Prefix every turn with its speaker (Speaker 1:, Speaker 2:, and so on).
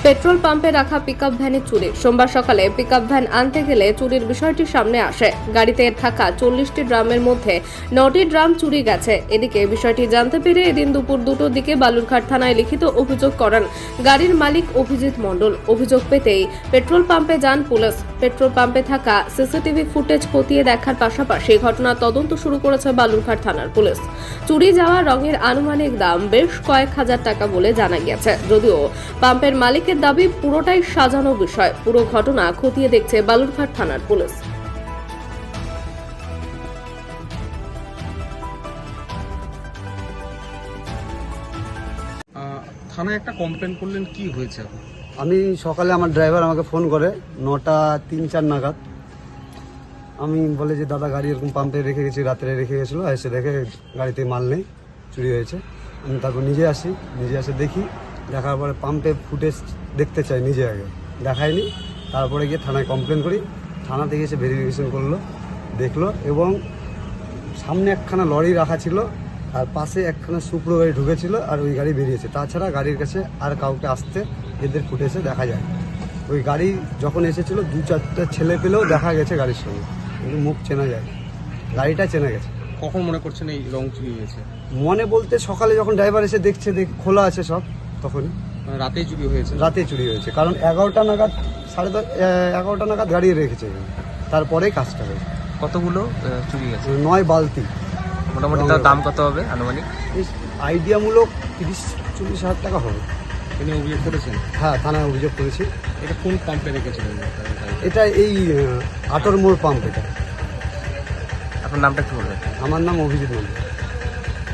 Speaker 1: Petrol পাম্পে রাখা pickup ভ্যানে চুরি। সোমবার সকালে পিকআপ ভ্যান আনতে গেলে চুরির বিষয়টি সামনে আসে। গাড়িতে থাকা 40টি ড্রামের মধ্যে 9টি ড্রাম চুরি গেছে। এদিকে বিষয়টি জানতে পেরে এদিন দুপুর 2টোর দিকে বালুরঘাট থানায় লিখিত অভিযোগ করেন গাড়ির মালিক অভিজিৎ মণ্ডল। অভিযোগ পেতেই পেট্রোল পাম্পে যান পুলিশ। পেট্রোল পাম্পে থাকা সিসিটিভি ফুটেজ খতিয়ে দেখার পাশাপাশি ঘটনার তদন্ত শুরু করেছে বালুরঘাট থানার পুলিশ। চুরি যাওয়া রঙের আনুমানিক দাম বেশ কয়েক হাজার টাকা বলে জানা গিয়েছে। যদিও পাম্পের মালিকের দাবি পুরোটাই সাজানো বিষয়। পুরো ঘটনা খতিয়ে দেখছে বালুরঘাট থানার পুলিশ।
Speaker 2: থানায় একটা কমপ্লেন করলেন, কি হয়েছে এখন?
Speaker 3: আমি সকালে আমার ড্রাইভার আমাকে ফোন করে 9টা 3-4 নাগাদ। আমি বলে যে দাদা গাড়ি এরকম পাম্পে রেখে গেছি, রাত্রে রেখে গেছিলো, এসে দেখে গাড়িতে মাল নেই, চুরি হয়েছে। আমি তারপর নিজে এসে দেখি, দেখার পরে পাম্পে ফুটেজ দেখতে চাই, নিজে আগে দেখায়নি। তারপরে গিয়ে থানায় কমপ্লেন করি। থানা থেকে এসে ভেরিফিকেশন করলো, দেখলো, এবং সামনে একখানা লরি রাখা ছিল আর পাশে একখানা সুপ্রো গাড়ি ঢুকেছিল আর ওই গাড়ি বেরিয়েছে। তাছাড়া গাড়ির কাছে আর কাউকে আসতে এদের ফুটেজে দেখা যায়। ওই গাড়ি যখন এসেছিল 2-4টা ছেলে পেলেও দেখা গেছে গাড়ির সঙ্গে, কিন্তু মুখ চেনা যায়, গাড়িটা চেনা গেছে।
Speaker 2: কখন মনে করছেন এই রং চুরি হয়েছে?
Speaker 3: মনে বলতে সকালে যখন ড্রাইভার এসে দেখছে খোলা আছে সব, তখনই
Speaker 2: মানে রাতেই চুরি হয়েছে?
Speaker 3: রাতে চুরি হয়েছে, কারণ 11টা নাগাদ 11:30 নাগাদ গাড়ি রেখেছে, তারপরেই কাজটা হয়েছে।
Speaker 4: কতগুলো চুরি গেছে?
Speaker 3: 9 বালতি।
Speaker 4: মোটামুটি তার দাম কত হবে আনুমানিক?
Speaker 3: আইডিয়ামূলক 30-40 হাজার টাকা হবে।
Speaker 2: তিনি অভিযোগ করেছেন?
Speaker 3: হ্যাঁ, থানায় অভিযোগ করেছি।
Speaker 2: এটা কোন পাম্পে রেখেছিলেন?
Speaker 3: এটা এই আটর মোড় পাম্প। এটা
Speaker 4: আপনার নামটা একটু বলবেন?
Speaker 3: আমার নাম অভিজিৎ মন্ডল।